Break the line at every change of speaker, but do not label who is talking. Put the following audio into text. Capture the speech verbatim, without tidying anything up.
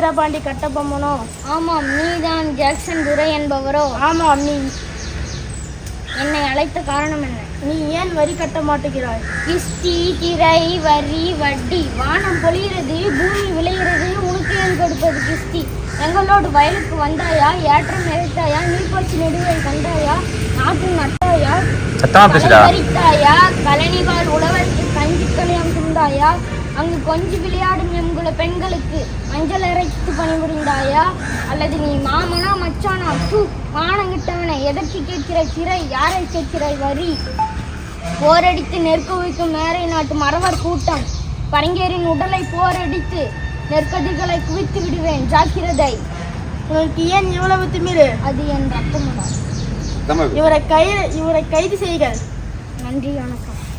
வீரபாண்டி கட்டபொம்மனோ?
ஆமாம். நீதான் ஜாக்சன் துரை என்பவரோ?
ஆமாம். நீ
என்னை அழைத்த காரணம் என்ன?
நீ ஏன் வரி கட்ட மாட்டேங்கிறாய்?
கிஸ்தி, திரை, வரி, வட்டி. வானம் பொழிகிறது, பூமி விளைகிறது, உனக்கு ஏன் கொடுப்பது கிஸ்தி? எங்களோடு வயலுக்கு வந்தாயா? ஏற்றம் இறைத்தாயா? நீர்ப்பாய்ச்சி நெடுவை கண்டாயா? நாட்டு நட்டாயா? வரித்தாயா? கழனிவால் உழவருக்கு கஞ்சி கணியம் சுந்தாயா? அங்கு கொஞ்சி விளையாடும் எங்குல பெண்களுக்கு மஞ்சள் அரைத்து பணிபுரிந்தாயா? அல்லது நீ மாமனா மச்சானா? தூ மானங்கிட்டவனை, எதற்கு கேட்கிறாய் திரை? யாரை கேட்கிறாய் வரி? போரடித்து நெருக்க வைக்கும் மேரை நாட்டு மறவர் கூட்டம். பரங்கேரின் உடலை போரடித்து நெற்கதிகளை குவித்து விடுவேன், ஜாக்கிரதை.
உனக்கு ஏன் இவ்வளவு திமிரு?
அது என் ரத்தமுடா.
இவரை கைது இவரை கைது செய்க.
நன்றி, வணக்கம்.